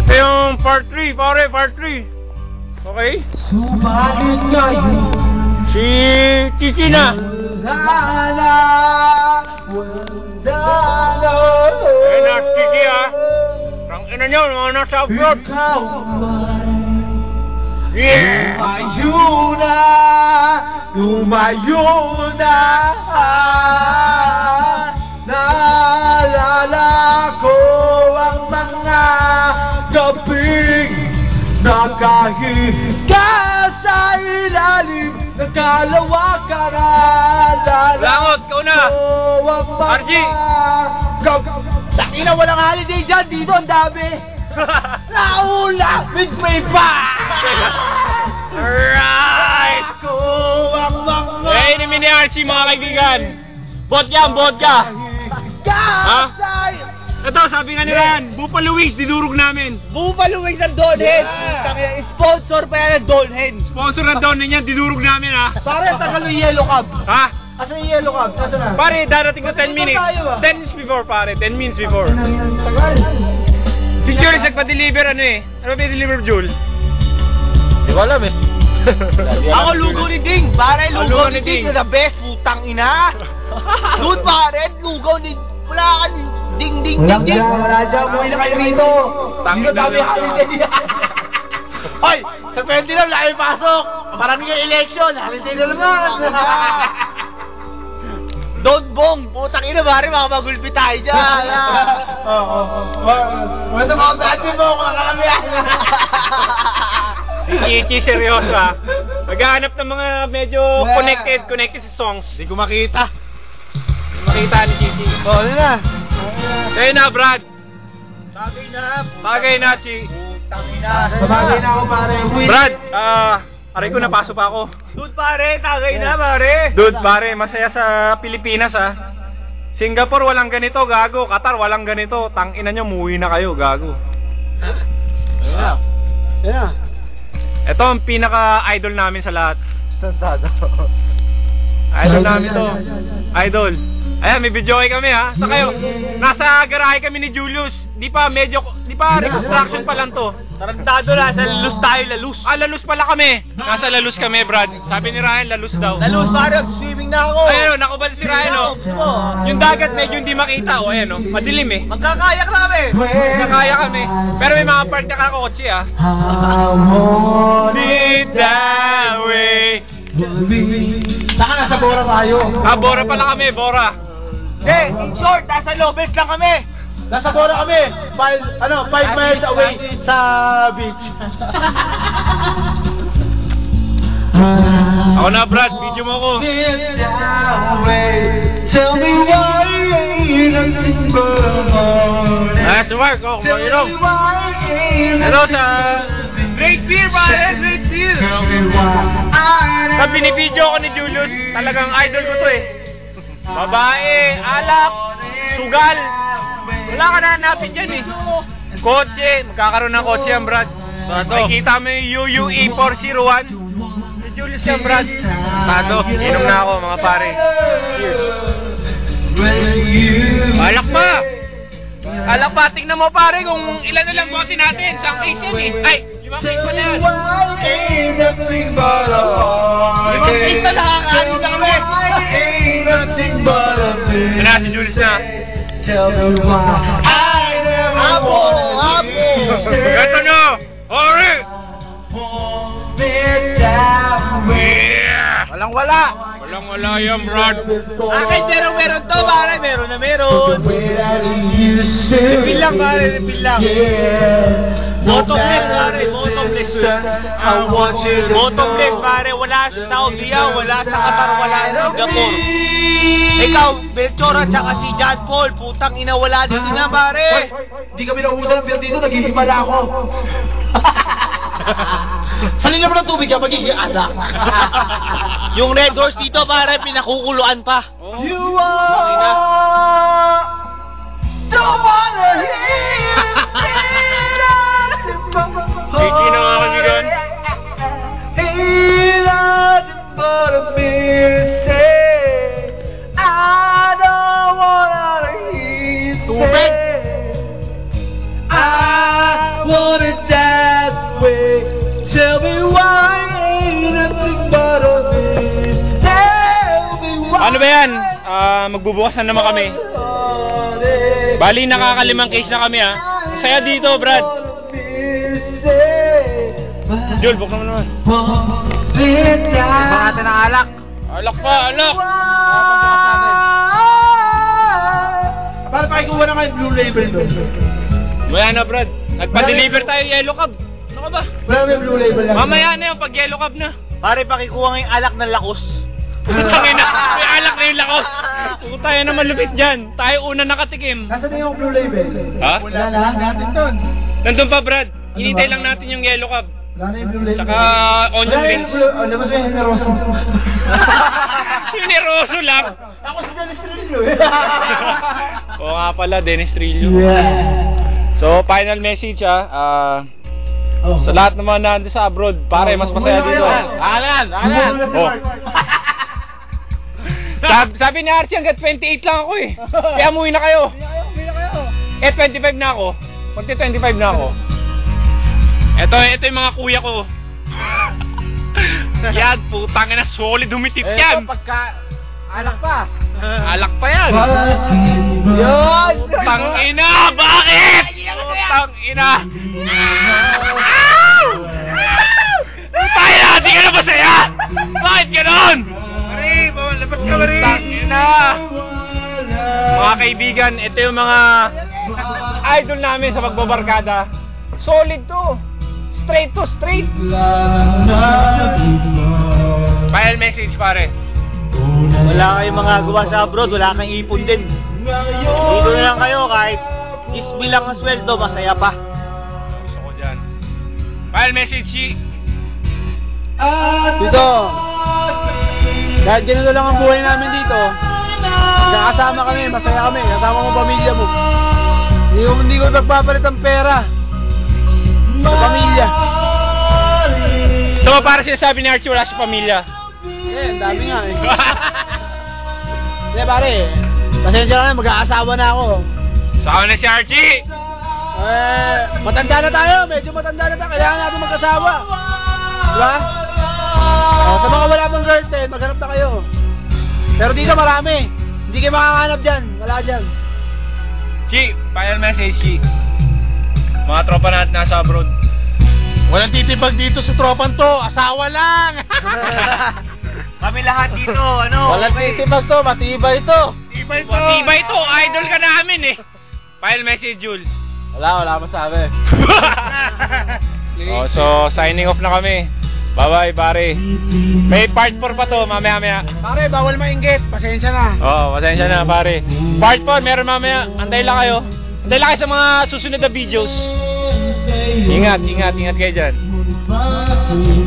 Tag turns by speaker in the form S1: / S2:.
S1: Ito yung part 3, pare, part 3. Okay?
S2: Subalit ngayon
S1: Si Chichi na.
S2: wala na.
S1: Ayun na, Chichi ah. Ang ina nyo, mga nasa abroad.
S2: Ikaw man
S1: Yeah!
S2: lumayo na. Naalala ko ang mga gabing nakahiga sa ilalim ng kalawakan.
S1: Langot, ikaw na. RG.
S2: Takina, walang holiday dyan. Dito ang dami. Naulapit pa.
S1: Alright!
S2: Ako ang mga
S1: Eh, inimin ni Archie mga kaibigan. Vodka, vodka. Ha? Ito, sabi nga nila yan, Buffalo Wings, didurog namin.
S2: Buffalo Wings ng Donhen. Sponsor pa yan ng Donhen.
S1: Sponsor na doon yan, didurog namin ha.
S2: Pare, tagal yung Yellow Cab.
S1: Ha?
S2: Asan yung Yellow Cab? Asan na?
S1: Pare, darating ko 10 minutes.
S2: tayo, ah?
S1: 10 minutes before, pare. 10 minutes before.
S2: Tagal.
S1: Si Jules nagpa-deliver ano eh. Ano ba i-deliver, Jules?
S2: Di ko alam eh. Ako lugaw ni Ding. Pare, lugaw ni Ding. The best, putang ina. Dude, pare, lugaw ni... Wala ka ni... Ding, ding, ding, ding. Wala dyan, umuwi na kayo rito. Dito dami holiday. Hoy, sa 20 na, wala kayong pasok. Maraming yung election, holiday na naman. Don't bong, putang ina, pare, makapagulpi tayo dyan. Masa mga dati mo, kakakamihan.
S1: Si Chichi, seryoso ha. Maghahanap ng mga medyo connected sa songs.
S2: Hindi ko makita.
S1: Makita ni Chichi.
S2: Oh, ano na?
S1: Sa'yo na, Brad.
S2: Bagay na.
S1: Bagay na, Chi.
S2: Putang ina. Bagay na ako, pare.
S1: Brad, aray ko, napaso pa ako.
S2: Dude, pare, tagay na, pare.
S1: Dude, pare, masaya sa Pilipinas ha. Singapore walang ganito, gago. Qatar walang ganito. Tangina nyo, muwi na kayo, gago.
S2: Yeah.
S1: Ito ang pinaka-idol namin sa lahat.
S2: Tantado.
S1: Idol namin to. Idol. Ayan, may video kami ha. Sa kayo? Nasa garahe kami ni Julius. Di pa reconstruction pa lang to.
S2: Tarantado na, sa lalus tayo, lalus.
S1: Lalus pala kami. Nasa lalus kami, Brad. Sabi ni Ryan, lalus daw.
S2: Lalus, pare, swimming na ako.
S1: Ayun, nakubal si Ryan oh. Yung dagat medyo hindi makita oh. Ayan oh, madilim eh.
S2: Magkakayak na kami.
S1: Nakaya kami. Pero may mga part na kakakotse ah. Need that way.
S2: Saka nasa Bora tayo.
S1: Ah, Bora pala kami, Bora.
S2: In short, nasa Lobes lang kami. Nasa Bora kami. 5 miles away sa beach.
S1: Ako na, Brad, video mo ko.
S2: Tell me why nothing but a morning.
S1: Ah, si Mark, oh, kumainom. Ito sa Great Beer, pare, Great Beer. Sa binibidyo ko ni Julius, talagang idol ko to eh. Babae, alak, sugal. Wala ka na hanapin dyan eh. Kotse, magkakaroon ng kotse yan, Brad. Makikita mo yung UUE 401. Si Julius yan, Brad. Tado, inom na ako mga pare. Cheers. Alak pa! Alak pa, tingnan mo pare kung ilan na lang bote natin. Isang case yan eh. Ay, 5 case pa na yan. 5 case na nakakaano na kami. Ano si Julius na?
S2: Apo!
S1: Ito na! Ori!
S2: Walang wala!
S1: Walang wala yan, Brad.
S2: Akin meron to, pare. Meron na meron. Refill lang, pare. Refill lang. Bottomless, pare. Bottomless. Bottomless, pare. Wala sa Saudi, wala sa Qatar, wala sa Singapore. Ikaw, Belchor at saka si John Paul. Putang ina, wala dito na, pare.
S3: Hindi kami naubusan ng beer dito, naghihimala ako. Salin naman ng tubig ka, magiging anak.
S2: Yung Red Horse dito, pare, pinakukuluan pa.
S3: You are don't wanna hear
S1: Gigi na mga kaibigan.
S3: Ain't nothing but a mistake. I don't wanna hear you say I wanna
S1: magbubukas na naman kami. Bali, nakakalimang case na kami, ha. Saya dito, Brad. Jul, buksan mo naman.
S2: Gusto natin ng alak.
S1: Alak pa, alak.
S3: Paano pakikuha na kayo blue label doon?
S1: Wala na, Brad. Nagpa-deliver tayo yellow cab. Ano ka ba?
S3: Wala may blue label lang.
S1: Mamaya na yung pag yellow cab na.
S2: Pare, pakikuha ngayong alak ng lakos.
S1: Putangin na, may alak na yung lakos. Kung tayo na malupit dyan, tayo una nakatikim.
S3: Nasaan na yung blue label?
S1: Ha?
S3: Wala na. Natin doon.
S1: Nandun pa, Brad. Hinintay lang natin yung yellow cab.
S3: Wala na yung blue label.
S1: Tsaka onion
S3: Wala na yung
S1: rings.
S3: blue. Oh, labas mo yung generoso.
S1: Generoso lang.
S3: Ako si Dennis Trillo eh.
S1: Oo nga pala, Dennis Trillo. So, final message sa lahat naman na nandun sa abroad, pare, mas masaya dito.
S2: Alan!
S1: Oh. Sabi ni Archie, hanggat 28 lang ako eh. Kaya umuwi na kayo. Eh, 25 na ako. Kunti 25 na ako. Ito yung mga kuya ko. Yan, putang ina, solid humitit yan.
S2: Pagka... alak pa.
S1: Alak pa yan.
S2: Yun!
S1: Putang ina, bakit? Putang ina. Tayo na, di ka na masaya. Bakit ganon?
S2: Mari, labas ka, Mari.
S1: Putang ina. Mga kaibigan, ito yung mga idol namin sa pagbabarkada. Solid to. Straight to straight. Final message, pare.
S2: Wala kayong mga gawa sa abroad, wala kang ipon din. Dito na lang kayo, kahit isbi lang ang sweldo, masaya pa.
S1: Gusto ko dyan. Final message, Chi.
S3: Dito. Kahit ganito lang ang buhay namin dito. Nakasama kami, masaya kami. Kasama mo pamilya mo. Hindi ko nagpapalit ang pera. Sa pamilya.
S1: So, para sinasabi ni Archie, wala siya pamilya.
S3: Eh, ang dami nga eh. Hindi pare, pasensya na, mag-aasawa na ako.
S1: Saan na si Archie?
S3: Eh, matanda na tayo, medyo matanda na tayo, kailangan natin mag-asawa. Diba? Sa mga wala pang girlfriend, maghanap na kayo. Pero dito marami, hindi kayo makakahanap dyan, wala dyan.
S1: Chi, final message, Chi. Mga tropa natin nasa abroad.
S2: Walang titipag dito sa tropan to, asawa lang! Kami lahat dito,
S3: Walang titibag to, matibay to.
S1: Matibay to, idol ka namin eh. Final message, Jules.
S3: Wala masabi.
S1: Oh, so signing off na kami. Bye-bye, pare. May part 4 pa to, mamaya-maya.
S3: Pare, bawal mainggit, pasensya na.
S1: Oh, pasensya na, pare. Part 4, meron mamaya. Antay lang kayo. Antay lang kayo sa mga susunod na videos. Ingat kayo dyan.